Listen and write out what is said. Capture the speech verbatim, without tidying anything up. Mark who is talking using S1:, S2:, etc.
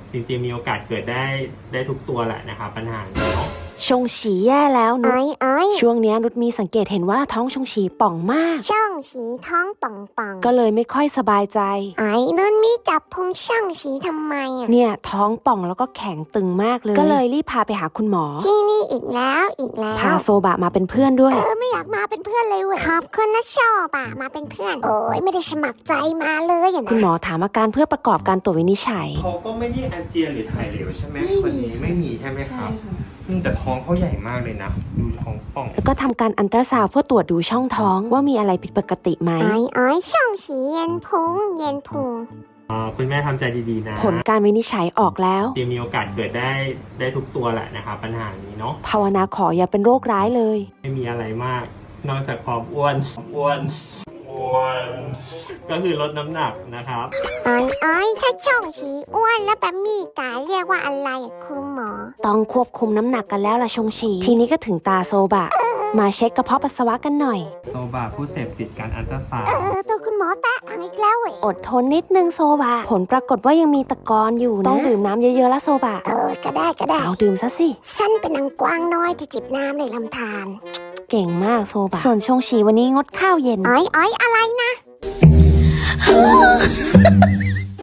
S1: จริงๆมีโอกาสเกิดได้ได้ทุกตัวแหละนะครับปัญหานี้เนาะ
S2: ชงฉีแย่แล้วนุช
S3: เอ้ยเอ้ย
S2: ช่วงเนี้ยนุชมีสังเกตเห็นว่าท้องชงฉีป่องมาก
S3: ช่องฉีท้องป่องป่อง
S2: ก็เลยไม่ค่อยสบายใจ
S3: ไอ้นุ่นมีจับพุงช่องฉีทำไมอ่ะ
S2: เนี่ยท้องป่องแล้วก็แข็งตึงมากเลย ก็เลยรีบพาไปหาคุณหมอ
S3: ที่นี่อีกแล้วอีกแล้ว
S2: พาโซบะมาเป็นเพื่อนด้วย
S3: เออไม่อยากมาเป็นเพื่อนเลยเว้ยขอบคุณนะชอบอ่ะมาเป็นเพื่อน โอ้ยไม่ได้สมัครใจมาเลยอ่ะนะ
S2: คุณหมอถามอาการเพื่อประกอบการตรวจวินิจฉัย
S1: เขาก็ไม่ได้อาเจียนหรือถ่ายเหลวใช่ไหมคนนี้ไม่มีใช่ไหมครับอืมแต่ท้องเขาใหญ่มากเลยนะดูท้องป่อง
S2: แล้วก็ทำการอันตราซาวด์เพื่อตรวจดูช่องท้องว่ามีอะไรผิดปกติไหม
S3: ไอ้ไอ้ช่องฉีเย็นพุงเย็นพุง
S1: อ่าคุณแม่ทำใจดีๆนะ
S2: ผลการวินิจฉัยออกแล้ว
S1: จริงๆมีโอกาสเกิดได้ได้ทุกตัวแหละนะครับปัญหานี้เนาะ
S2: ภาวนาขออย่าเป็นโรคร้ายเลย
S1: ไม่มีอะไรมาก นอกจากความอ้วนอ้วนอ้วนก็คือลดน้ำหนักนะครับ
S3: ไอ้ไอ้ถ้าช่องฉีอ้วนแล้วแบบมีกายเรียกว่าอะไรอ่ะคุณหมอ
S2: ต้องควบคุมน้ำหนักกันแล้วล่ะชงฉีทีนี้ก็ถึงตาโซบะ มาเช็คกระเพาะปัสสาวะกันหน่อย
S1: โซบาผู้เสพติดการอัลตราซาว
S3: เอ
S1: ด์
S3: อตัวคุณหมอแตะอังอีกแล้วเว้ย
S2: อดทนนิดนึงโซบะ ผลปรากฏว่ายังมีตะกอนอยู่นะ ต้องดื่มน้ำเยอะๆละโซบะ
S3: เออก็ได้ก็ได้
S2: เอาดื่มซะสิ
S3: สั้นเป็นนางกวางน้อยที่จิบน้ำในลำธาร
S2: เก่งมากโซบะ ส่วนชงฉีวันนี้งดข้าวเย็น
S3: ไอ้ไอ้อะไรนะ